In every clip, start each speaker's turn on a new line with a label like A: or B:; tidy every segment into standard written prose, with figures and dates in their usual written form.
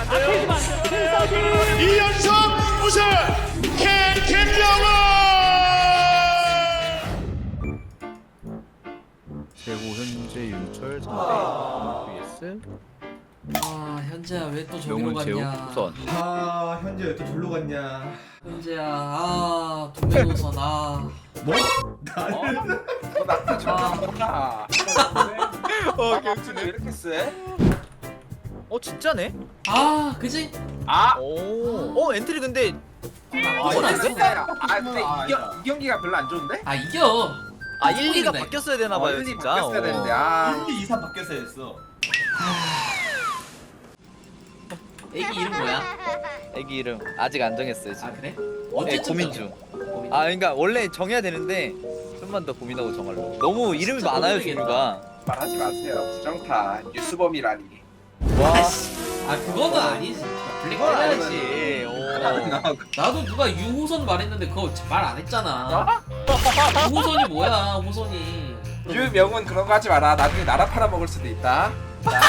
A: 안 돼요.
B: 캔서기
C: 2연속 우승 캔캔영어.
A: 최고 현재 윤철 상대 vs
D: 아 현재야 왜 또 저기로
A: 명훈 제우
D: 갔냐.
A: 우선.
E: 아 현재 왜 또 절로 갔냐?
D: 현재야 아 동료선 아.
E: 뭐? 나를
F: 나도 저거구나.
A: 경준이
F: 왜 이렇게 세?
A: 진짜네?
D: 아 그지?
F: 아,
A: 오 엔트리 근데
D: 이건 안 돼?
F: 근데 이 경기가 별로 안 좋은데?
D: 아 이겨.
A: 1, 2가
D: 네.
A: 바뀌었어야 되나봐요
F: 1, 2
A: 진짜.
F: 바뀌었어야 되는데. 아,
E: 1, 2, 3 바뀌었어야 했어.
D: 애기 이름 뭐야?
A: 애기 이름 아직 안 정했어요 지금.
D: 아 그래?
A: 네,
D: 언제쯤
A: 고민
D: 정해?
A: 중.
D: 고민.
A: 그러니까 원래 정해야 되는데 좀만 더 고민하고 정할로. 너무 이름이
D: 진짜
A: 많아요
D: 모르겠다.
A: 종류가.
F: 말하지 마세요. 부정타 뉴스범이라니.
A: 와
D: 아 그거는 아니지. 블랙
A: 이건
D: 해야지.
A: 아니지.
D: 나도 누가 유호선 말했는데 그거 말 안 했잖아. 유호선이 뭐야 호선이.
F: 유명은 그런 거 하지 마라. 나중에 나라 팔아먹을 수도 있다. 자,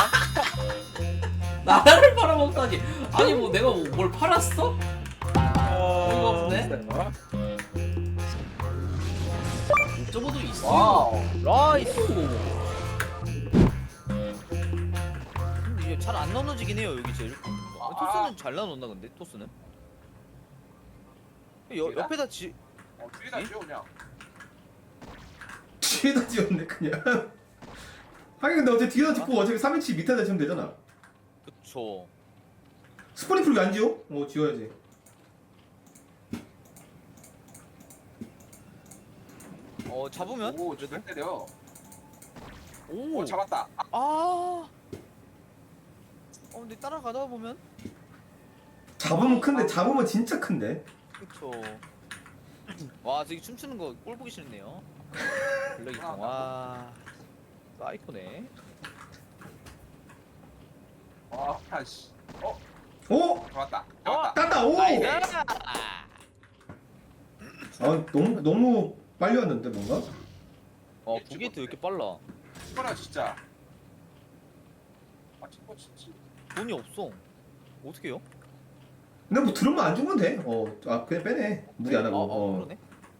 D: 나라를 팔아먹다니. 아니 뭐 내가 뭘 팔았어? 어이가 없네. 옥저버도 있어.
F: 와우.
A: 라이스.
D: 오.
A: 근데 이게 잘 안 나눠지긴 해요 여기 제일. 토스는 잘 나눴나 근데 토스는? 옆에다
F: 뒤에다 쥐어 그냥.
E: 뒤에다 지었네 그냥. 하긴 근데 어차피 뒤에다 짓고 어차피 3인치 밑에다 지으면 되잖아.
A: 그쵸.
E: 스포니풀 왜안 지어? 지어야지.
A: 잡으면?
F: 오, 저잘 때려.
A: 오.
F: 오, 잡았다.
A: 근데 따라가다 보면
E: 잡으면 큰데 잡으면 진짜 큰데.
A: 그쵸. 와 저기 춤추는 거 꼴 보기 싫네요. 블랙이통 와 사이코네.
F: 와, 아씨.
E: 오!
F: 잡았다. 잡았다.
E: 땄다. 오!
A: 나이스.
E: 너무 빨리 왔는데 뭔가?
A: 부게이트 왜 이렇게 빨라?
F: 이거라 진짜. 아, 친구 진짜.
A: 돈이 없어. 어떻게 해요?
E: 근데 뭐 들으면 안 주면 돼. 그냥 빼네. 무리 안 하고.
A: 그러네.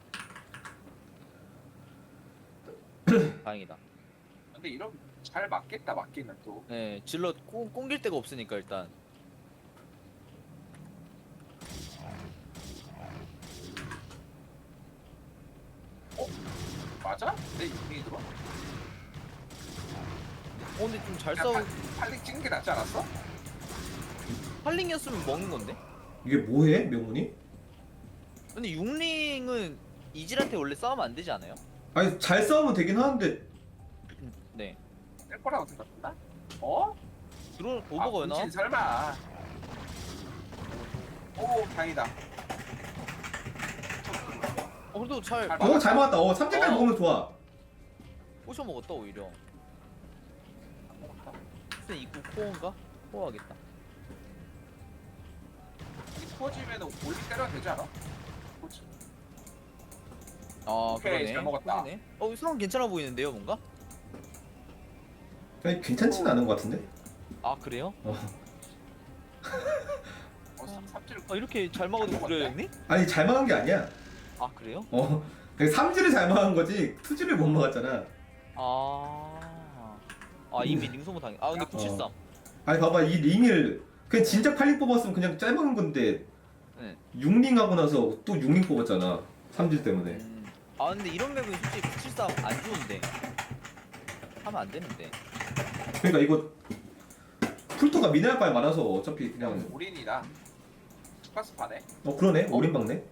A: 다행이다.
F: 근데 이런 잘 맞겠다 맞기는 또.
A: 네, 질럿 꽁길 데가 없으니까 일단.
F: 맞아? 내 유명이 들어?
A: 근데 좀 잘
F: 야,
A: 싸우.
F: 팔릭 찍는 게 낫지 않았어?
A: 팔링이었으면 먹는 건데.
E: 이게 뭐해? 명문이?
A: 근데 육링은 이질한테 원래 싸우면 안 되지 않아요?
E: 아니 잘 싸우면 되긴 하는데
A: 네.
F: 뺄 거라고 생각했나? 어?
A: 드론 오버가 나?
F: 진 설마. 오, 다행이다.
A: 그래도 잘
E: 잘 맞았다. 삼재까지 먹으면 좋아.
A: 꼬셔 먹었다 오히려. 무슨 입구 코어인가? 코어하겠다.
F: 이 터지면은 올리 때려도 되지 않아? 그렇지. 오케이,
A: 그러네.
F: 잘 먹었다.
A: 코어네. 상황 괜찮아 보이는데요 뭔가?
E: 아니, 괜찮지는 않은 것 같은데.
A: 그래요?
F: 삼지를
A: 이렇게 잘 먹어도 그래요 형님?
E: 아니 잘 막은 게 아니야.
A: 그래요?
E: 삼지를 잘 막은 거지 투지를 못 막았잖아.
A: 이미 링소모 당해. 근데 973.
E: 아니 봐봐 이 링을 그냥 진짜 8링 뽑았으면 그냥 짧은 건데
A: 네.
E: 6링 하고 나서 또 6링 뽑았잖아. 삼질 때문에.
A: 근데 이런 맵은 솔직히 973 안 좋은데. 하면 안 되는데.
E: 그러니까 이거 풀토가 미네랄 바에 많아서 어차피 그냥
F: 올인이다. 스파스파네.
E: 그러네. 올인 박네.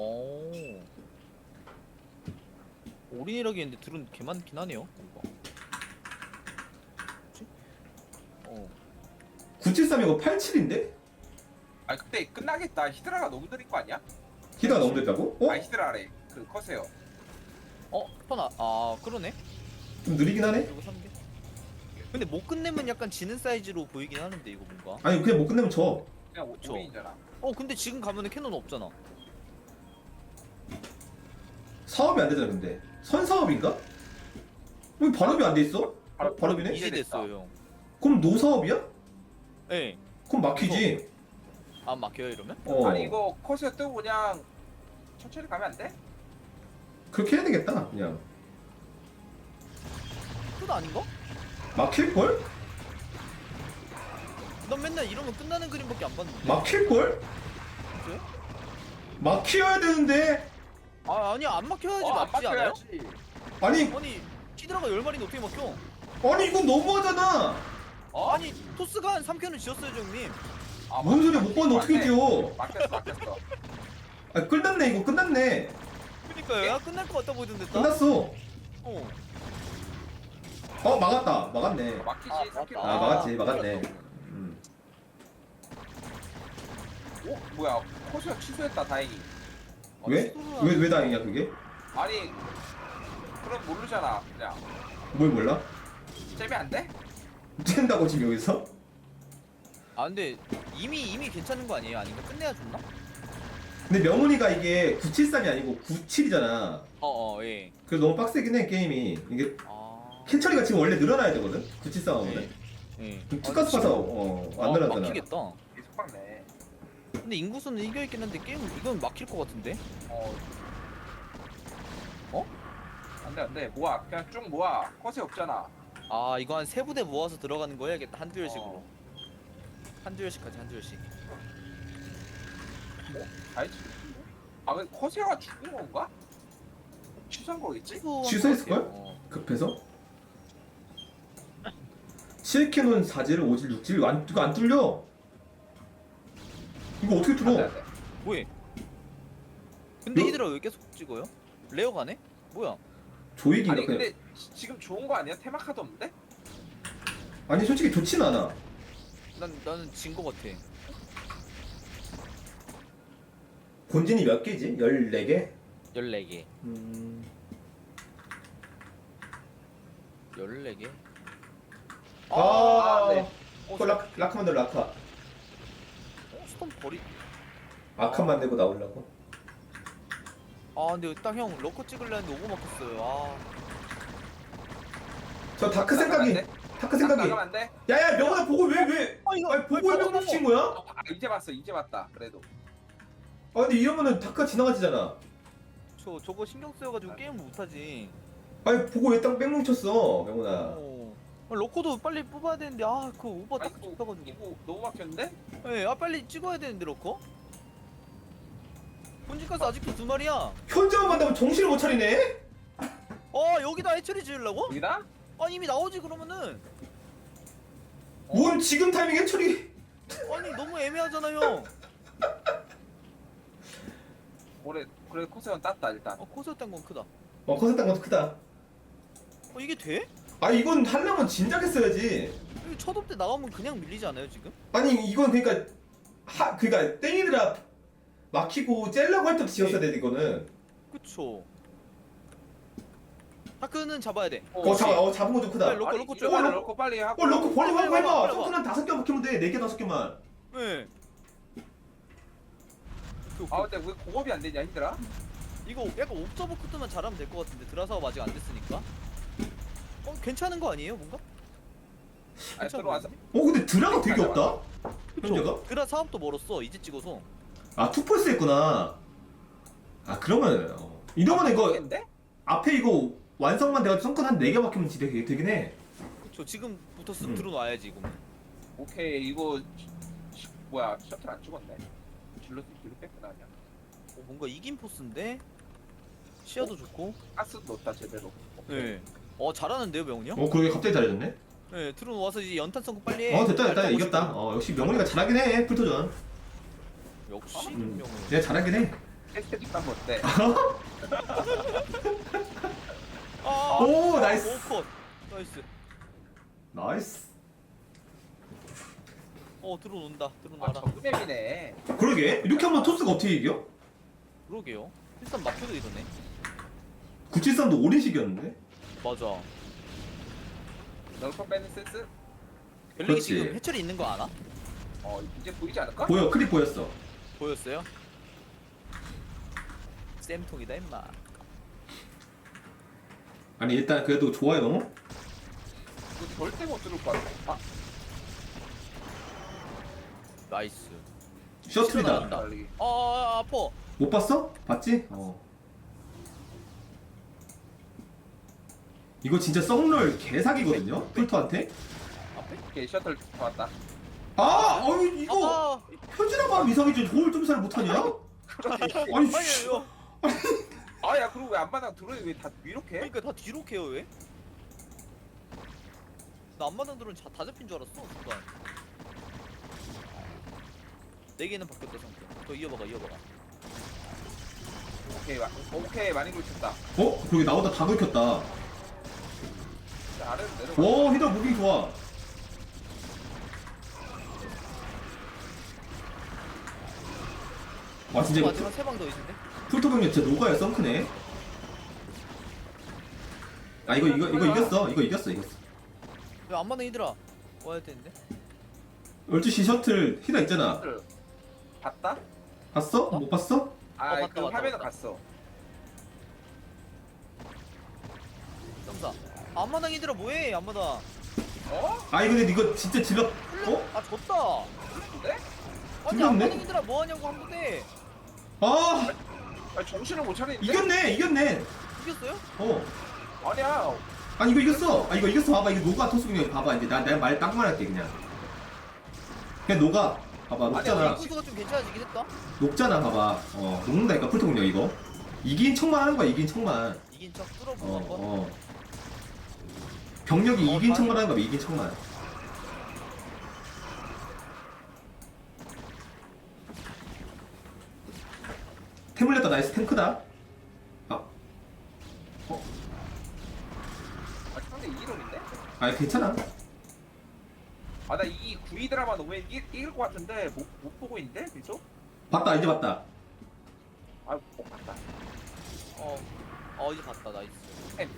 A: 올인이라기 했는데 드론 개 많긴 하네요. 이거. 뭐지?
E: 973 이거 87인데?
F: 아, 근데 끝나겠다. 히드라가 너무 느린 거 아니야?
E: 히드가 너무 됐다고?
F: 히드라래. 그 커세요.
A: 스파나. 그러네.
E: 좀 느리긴 하네.
A: 이거 3개. 근데 못 끝내면 약간 지는 사이즈로 보이긴 하는데 이거 뭔가.
E: 아니 그냥 못 끝내면 져.
F: 그냥
A: 그쵸.
F: 올인이잖아.
A: 근데 지금 가면은 캐논 없잖아.
E: 사업이 안 되잖아 근데. 선사업인가? 왜 발업이 안 돼 있어? 발업이네?
A: 이제 됐어요 형.
E: 그럼 노사업이야?
A: 네.
E: 그럼 막히지.
A: 안 막혀요 이러면?
E: 어.
F: 아니 이거 커서 뜨고 그냥 천천히 가면 안 돼?
E: 그렇게 해야 되겠다. 그냥
A: 끝 아닌가?
E: 막힐 걸?
A: 난 맨날 이러면 끝나는 그림밖에 안 봤는데.
E: 막힐 걸?
A: 그래?
E: 막혀야 되는데.
A: 아 아니 안 막혀야지
F: 안
A: 맞지 않아요?
F: 막혀야지.
E: 아니
A: 아니 히드라가 10마리인데 어떻게 막혀?
E: 아니 이건 너무하잖아.
A: 아니 토스가 한 3캔을 지었어요 형님.
F: 아,
E: 뭔 소리야? 못 봤는데 어떻게
F: 맞네.
E: 뛰어?
F: 막혔어.
E: 아 끝났네 이거 끝났네.
A: 그니까요. 야 끝날 것 같다 보이던데 딱.
E: 끝났어.
A: 어.
E: 막았다. 막았네.
F: 막히지.
A: 아,
F: 3km.
A: 맞다.
E: 아 막았지 막았네.
F: 오 뭐야 커서 취소했다 다행히.
E: 왜?
A: 시도를
E: 왜 다행이야 그게?
F: 아니 그럼 모르잖아 그냥.
E: 뭘 몰라?
F: 잽이 안 돼?
E: 쨘다고 지금 여기서?
A: 아 근데 이미 괜찮은 거 아니에요? 아닌가? 끝내야 좋나?
E: 근데 명훈이가 이게 973이 아니고 97이잖아.
A: 예.
E: 그래서 너무 빡세긴 해 게임이. 이게
A: 아.
E: 캔처리가 지금 원래 늘어나야 되거든? 97 싸움은.
A: 예.
E: 투가스 파서 안 늘어나잖아.
A: 막히겠다.
F: 계속 막네.
A: 근데 인구수는 이겨있긴 한데 게임 이건 막힐 것 같은데?
F: 안돼 모아 그냥 쭉 모아 컷이 없잖아.
A: 아 이거 한 3부대 모아서 들어가는 거 해야겠다. 한두 열씩으로. 한두 열씩까지 한두 열씩.
F: 알지. 아 근데 커세가 죽은 건가? 취소한 거겠지?
E: 취소했을걸?
A: 어.
E: 급해서? 7캐논 4질 5질 6질 이거 안 뚫려. 이거 어떻게 뚫어?
F: 안돼.
A: 뭐해? 근데
E: 너-
A: 히드라 왜 계속 찍어요? 레어 가네? 뭐야?
E: 조이기인가
F: 아니
E: 그냥.
F: 근데 지금 좋은 거 아니야? 테마카드 없는데?
E: 아니 솔직히 좋진 않아.
A: 나는 진 거 같아.
E: 본진이 몇 개지? 14개?
A: 14개. 14개?
E: 네.
F: 네.
E: 그거 라카 만들 라카.
A: 스톰 버리.
E: 아칸 만들고 나오려고.
A: 아 근데 딱 형 러커 찍으려 했는데 오버 막혔어요. 아.
E: 저 다크 생각이. 다크 생각이.
F: 나가면 안 돼?
E: 야야 명훈아 보고 왜?
A: 아 이거
E: 아니 보고 왜 멈춘 거야?
F: 아 이제 봤다 그래도.
E: 아 근데 이러면은 다크가 지나가지잖아.
A: 저거 신경 쓰여가지고 게임을 못하지.
E: 아니 보고 왜 딱 뺑뭉쳤어 명훈아.
A: 러커도 빨리 뽑아야 되는데 아 그거 오버 딱
F: 아이고,
A: 찍혀가지고.
F: 이거 너무 막혔는데?
A: 예, 아 빨리 찍어야 되는데 러커? 본진가스 아직도 2마리야.
E: 현장만 만나면 정신을 못 차리네.
A: 여기다 해처리 지으려고?
F: 여기다?
A: 아니 이미 나오지 그러면은.
E: 뭔 지금 타이밍에 처리.
A: 아니 너무 애매하잖아 형.
F: 그래 코세원 땄다 일단.
A: 코스였던 건 크다.
E: 커졌던 것도 크다.
A: 이게 돼?
E: 아 이건 하려면 진작 했어야지.
A: 이거 첫 업 때 나가면 그냥 밀리지 않아요 지금?
E: 아니 이건 그러니까 그러니까 땡이드라 막히고 째려고 할 때 지었어야 돼 이거는.
A: 그쵸. 다크는 잡아야 돼.
E: 잡은 거 좀 크다.
A: 네, 러커 좀
F: 이거는
A: 하고.
F: 러커 빨리 하고.
E: 럭커 버리고
A: 빨리
E: 해봐.
A: 해봐.
E: 성크는 5개 막히면 돼. 4개 5개만.
A: 네.
F: 아 근데 왜 공업이 안 되냐 힘들어?
A: 이거 약간 옵저버 쿠트만 잘하면 될 것 같은데 드라사업 아직 안 됐으니까. 괜찮은 거 아니에요 뭔가?
F: 아니 들어와서.
E: 근데 드라가 되게 없다. 현재가?
A: 드라 사업도 멀었어 이제 찍어서.
E: 아 투폴스 했구나. 아 그러면 이러면 이거
F: 모르겠는데?
E: 앞에 이거 완성만 돼가지고 성큰 한 4개 막히면 진짜 되긴 해.
A: 그쵸 지금부터 쓱 들어놔야지 이거.
F: 오케이 이거 뭐야 셔틀 안 죽었네. 질러 뺐구나 그냥.
A: 뭔가 이긴 포스인데 시야도 좋고.
F: 가스 넣었다 제대로.
A: 네. 잘하는데요 명훈이 형?
E: 그러게 갑자기 잘해졌네.
A: 네 들어와서 이제 연탄 선고 빨리 해.
E: 됐다 이겼다. 역시 명훈이가 잘하긴 해 풀토전.
A: 역시 명훈.
E: 얘 잘하긴 해.
F: 테스트 하면 어때?
E: 오, 나이스.
A: 컷. 나이스.
E: 나이스.
A: 들어온다.
F: 아
A: 들어놔라.
F: 정글맵이네.
E: 그러게 이렇게 하면 토스가 어떻게 이겨?
A: 그러게요. 일단 막혀도 이러네.
E: 973도 오랜식이었는데.
A: 맞아.
F: 널커 빼는 센스?
A: 벨릭이
E: 그렇지.
A: 지금 해철이 있는 거 알아?
F: 이제 보이지 않을까?
E: 보여 클립 보였어.
A: 보였어요? 쌤통이다 임마.
E: 아니 일단 그래도 좋아요 너무.
F: 이거 절대 못 들을 것 같아.
A: 나이스.
E: 셔틀이다.
A: 나간다.
F: 빨리.
A: 아파.
E: 못 봤어? 봤지? 이거 진짜 썩롤 개사기거든요? 풀토한테?
F: 오케이 셔틀 왔다.
E: 이거
A: 아,
E: 현진아 봐 이상이지. 저걸 좀 잘 못하냐? 아니, 씨.
A: 아니에요.
F: 아야 그리고 왜 안마당 들어오니 왜다 이렇게?
A: 그러니까 다 뒤로 캐요 왜? 나 앞마당 들은 다 잡힌 줄 알았어 순간. 4개는 바뀌었다 상태. 더 이어봐가.
F: 오케이 많이 굴쳤다.
E: 그러게 나보다 다 긁혔다.
F: 아래로 내려가.
E: 와 히더 무빙 좋아. 와 진짜 이거
A: 마지막 3방 더 있는데?
E: 풀토 병력 진짜 녹아요. 썬크네. 이거 이겼어. 이거 이겼어.
A: 왜 앞마당 이들아 와야 되는데?
E: 12시 셔틀 히더 있잖아.
F: 셔틀 봤다?
E: 봤어? 못 봤어?
A: 봤다,
F: 그
A: 봤다,
F: 화면은
A: 봤다.
F: 갔어.
A: 점사. 앞마당 이들아 뭐해 앞마당.
F: 어?
E: 근데 이거 진짜 질러.
A: 아 졌다.
F: 근데?
A: 아니
E: 틀렸네?
A: 앞마당 이들아 뭐하냐고 한 번에.
E: 아
F: 아니 정신을 못 차리는데?
E: 이겼네.
A: 이겼어요?
F: 아니야.
E: 아니 이거 이겼어. 이거 이겼어. 봐봐 이거 녹아 토스공룡 봐봐 이제 내가 말 딱 말할게 그냥 녹아. 봐봐 녹잖아.
A: 선수가 좀 괜찮아지긴 했다.
E: 녹잖아 봐봐. 녹는다니까 풀토공룡 이거. 이긴 척만 하는 거야. 이긴 척만.
A: 이긴 척 뚫어보고 한번.
E: 병력이 이긴
A: 다행이다.
E: 척만 하는 거야. 이긴 척만. 태물렸다. 나이스 탱크다.
F: 상대 2이론인데?
E: 괜찮아.
F: 나 이 구이 드라마 너무 이길 것 같은데 못 보고 있는데 계속?
E: 봤다 이제 봤다.
F: 못 봤다.
A: 이제 봤다 나이스.
F: 햄.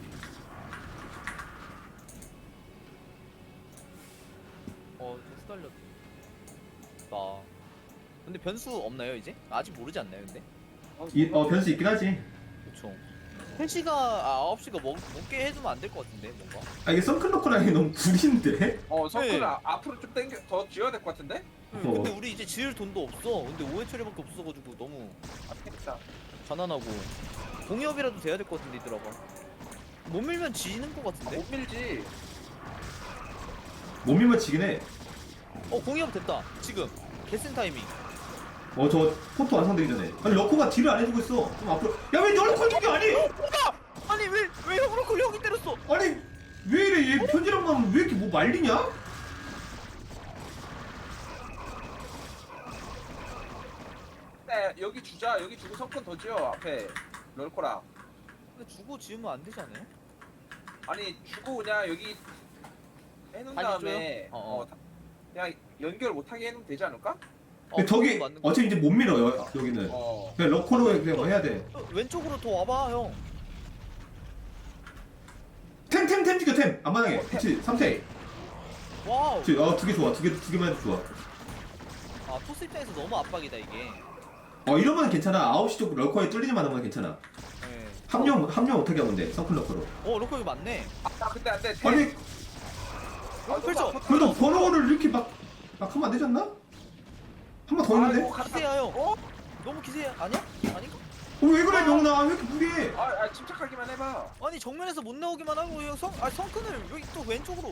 A: 좀 수달렸다. 근데 변수 없나요 이제? 아직 모르지 않나요 근데?
E: 변수 있긴 하지.
A: 그쵸. 3시가 9시가 먹게 해주면 안 될 것 같은데 뭔가.
E: 이게 선클로커랑이 너무 구린데.
F: 서클
A: 네.
F: 앞으로 좀 당겨 더 지어야 될 것 같은데?
A: 근데 우리 이제 지을 돈도 없어. 근데 5회 처리밖에 없어가지고 너무
F: 아쉽다.
A: 가난하고 공이업이라도 돼야 될 것 같은데 이들아가. 못 밀면 지는 것 같은데?
F: 못 밀지.
E: 못 밀면 지긴 해.
A: 공이업 됐다 지금. 개센 타이밍.
E: 저 포토 완성되기 전에. 러코가 딜을 안 해주고 있어. 좀 앞으로. 왜 러코 저기 아니?
A: 아니 왜 형으로 형이 때렸어?
E: 아니 왜 이래? 얘 편지랑만 왜 이렇게 뭐 말리냐?
F: 네, 여기 주자. 여기 주고 석권 더 지어 앞에 럴코랑.
A: 근데 주고 지으면 안 되지 않아요?
F: 아니 주고 그냥 여기 해놓은
A: 아니,
F: 다음에
A: 줘요?
F: 그냥 연결 못하게 해놓으면 되지 않을까?
E: 근데 저기
A: 그거 맞는 거.
E: 어차피 이제 못 밀어요. 여기는. 그냥 러코로 그냥 뭐 해야 돼.
A: 왼쪽으로 더 와봐 형.
E: 템 죽여 템. 안만하게. 그치 3태.
A: 와우.
E: 그치. 2개 좋아. 두 개만 해도 좋아.
A: 토스 입장에서 너무 압박이다 이게.
E: 이러면 괜찮아. 9시 쪽 러커에 뚫리지만 하면 괜찮아.
A: 네.
E: 합류 못하게 하면 돼. 서클 러커로.
A: 로커 이거 맞네.
F: 근데 안돼.
E: 아니
A: 그렇죠.
E: 그래도 번호를 이렇게 막 하면 안 되지 않나? 한 번 더 있는데?
A: 기세야 형. 너무 기세 아니야? 아닌가?
E: 왜 그래 명나? 왜 이렇게 무리해?
F: 침착하기만 해봐.
A: 아니 정면에서 못 나오기만 하고 형 성큰을 여기 또 왼쪽으로.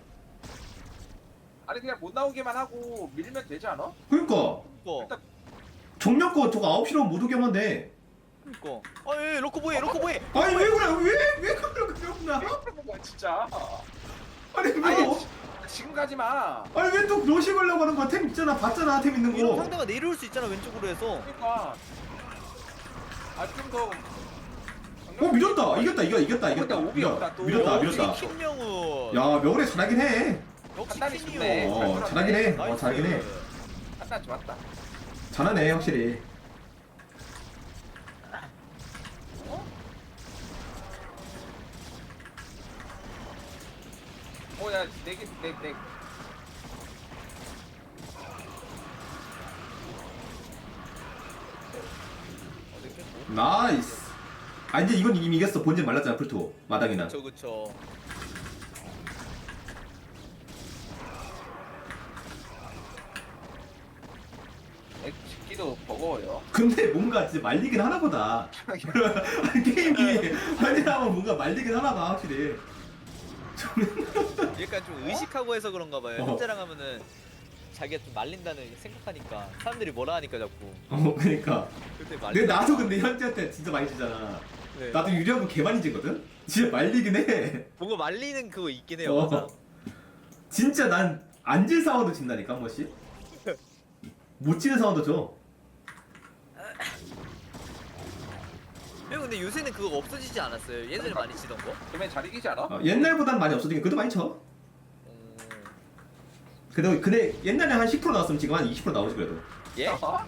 F: 아니 그냥 못 나오게만 하고 밀면 되지 않아?
E: 그러니까
A: 그니까.
E: 정력 거 저거 9시로 못 오게 하면 돼.
A: 그니까. 로커 뭐해?
E: 아니 왜 그래? 왜 그래 명나?
F: 진짜.
E: 아니 왜?
F: 아니, 지금 가지 마.
E: 아니 왜 또 로시 걸려고 하는 거야? 템 있잖아. 봤잖아. 템 있는
A: 이런
E: 거.
A: 상대가 내려올 수 있잖아 왼쪽으로 해서.
F: 그러니까. 좀 더.
E: 밀었다. 이겼다.
F: 근데 오비였다, 또.
E: 밀었다.
A: 김명우.
E: 야 명훈이 잘하긴 해.
A: 역시
F: 판단이
A: 킹이요.
F: 좋네.
E: 잘하긴 해.
A: 나이스.
E: 잘하긴 해.
F: 판단 좋았다.
E: 잘하네 확실히.
F: 야, 내.
E: 나이스. 이제 이건 이미 이겼어. 본진 말랐잖아 풀토 마당이나.
A: 그쵸.
F: 버거워요.
E: 근데 뭔가 진짜 말리긴 하나 보다. 게임이 아니라면 뭔가 말리긴 하나 봐 확실히.
A: 약간 좀 의식하고 해서 그런가 봐요.
E: 어.
A: 현재랑 하면은 자기가 좀 말린다는 생각하니까 사람들이 뭐라 하니까 자꾸
E: 그러니까.
A: 그때
E: 근데
A: 말린.
E: 나도 근데 현지한테 진짜 많이 지잖아.
A: 네.
E: 나도 유리하고 개 많이 지거든. 진짜 말리긴 해.
A: 뭔가 말리는 그거 있긴 해요.
E: 어.
A: 맞아.
E: 진짜 난 안 질 상황도 진다니까 한 번씩. 못 지는 상황도 줘.
A: 형 근데 요새는 그거 없어지지 않았어요? 예전에 많이 치던 거?
F: 그러면 잘 이기지 않아?
E: 옛날보단 많이 없어지긴 그래도 많이 쳐. 근데 옛날에 한 10% 나왔으면 지금 한 20% 나오지 그래도.
A: 예?
F: 어?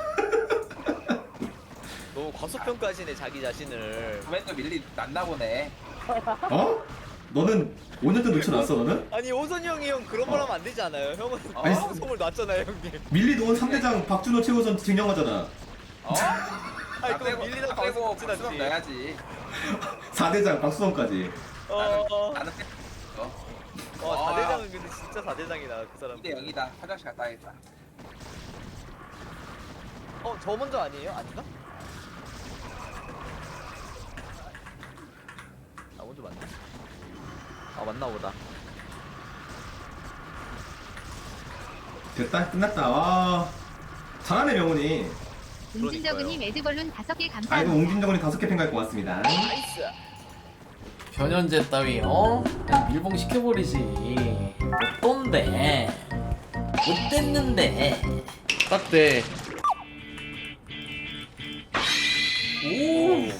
A: 너무 과소평가하시네 자기 자신을.
F: 그맨도 밀리 났나 보네.
E: 어? 너는 5년 전 놓쳐놨어 너는?
A: 아니 오선이 형이 형 그런 말 하면 안 되지 않아요? 형은
F: 아니,
A: 방송을 놨잖아요 형님.
E: 밀리도 3대장 박준호 최우선 증명하잖아.
F: 어?
A: 아니
F: 나
A: 그거
F: 빼고
A: 밀리다
F: 나 빼고
A: 방송
F: 박수럼
A: 지났지.
F: 넣어야지.
E: 4대장 박수성까지.
F: 나는 아.
A: 4대장은 근데 진짜 4대장이다 그 사람.
F: 2대 0이다. 화장실 갔다 와야겠다.
A: 저 먼저 아니에요? 아닌가? 나 먼저 맞나? 맞나 보다.
E: 됐다 끝났다. 와 잘하네 명훈이.
B: 웅진저그님 에드벌룬 5개
E: 아이고
B: 감사합니다.
E: 옹진정원이 5개 팬가입 고맙습니다.
A: 나이스.
D: 변현재 따위 그냥 밀봉 시켜버리지. 어떤데? 못됐는데. 딱대. 오.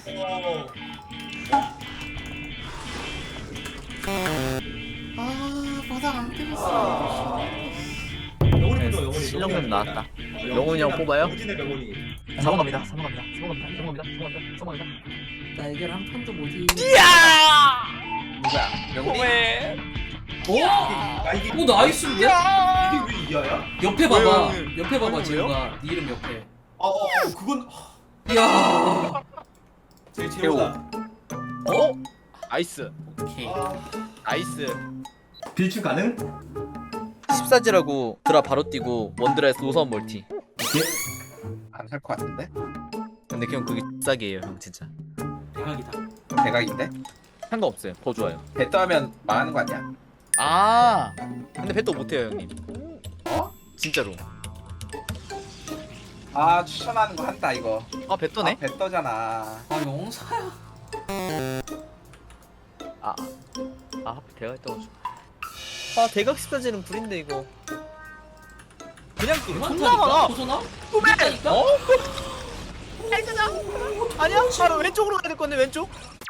D: 아 바닥 안 깨졌어.
E: 명훈이 보자 명훈이.
A: 실력은 나왔다. 명훈이 형 뽑아요?
E: 옹진의 명훈이.
A: 4번 갑니다. 4번 갑니다. 4번 갑니다. 4번 갑니다. 4번 갑니다. 4번 갑니다.
D: 날개를 한 판도 못 이기네.
F: 누구야? 명훈이?
D: 오!
E: 아 이게
D: 오 나이스인데?
E: 이게 왜 이하야?
D: 옆에 봐봐.
A: 왜요?
D: 옆에 봐봐
A: 왜요?
D: 지우가 네 이름 옆에.
E: 그건
D: 이야.
E: 제 제보다.
A: 나이스.
D: 오케이.
A: 나이스.
E: 빌출 가능?
A: 14지라고 드라 바로 뛰고 원드라에서 노선 멀티.
E: 오케이.
F: 안 살 것 같은데?
A: 근데 그냥 그게 싸게예요 형 진짜.
D: 대박이다.
F: 대각인데?
A: 상관없어요. 더 좋아요.
F: 배떠 하면 망하는 거 아니야?
A: 아 근데 배도 못해요 형님.
F: 어?
A: 진짜로.
F: 아 추천하는 거 한다 이거.
A: 아 배떠네?
F: 아, 배떠잖아.
D: 아 영사야.
A: 하필 대각 떠가지고. 대각 14지는 불인데 이거. 그냥 존나 많아.
D: 호선아?
A: 꿈에!
D: 있다니까?
A: 아니야? 바로 왼쪽으로 가야 될 건데 왼쪽?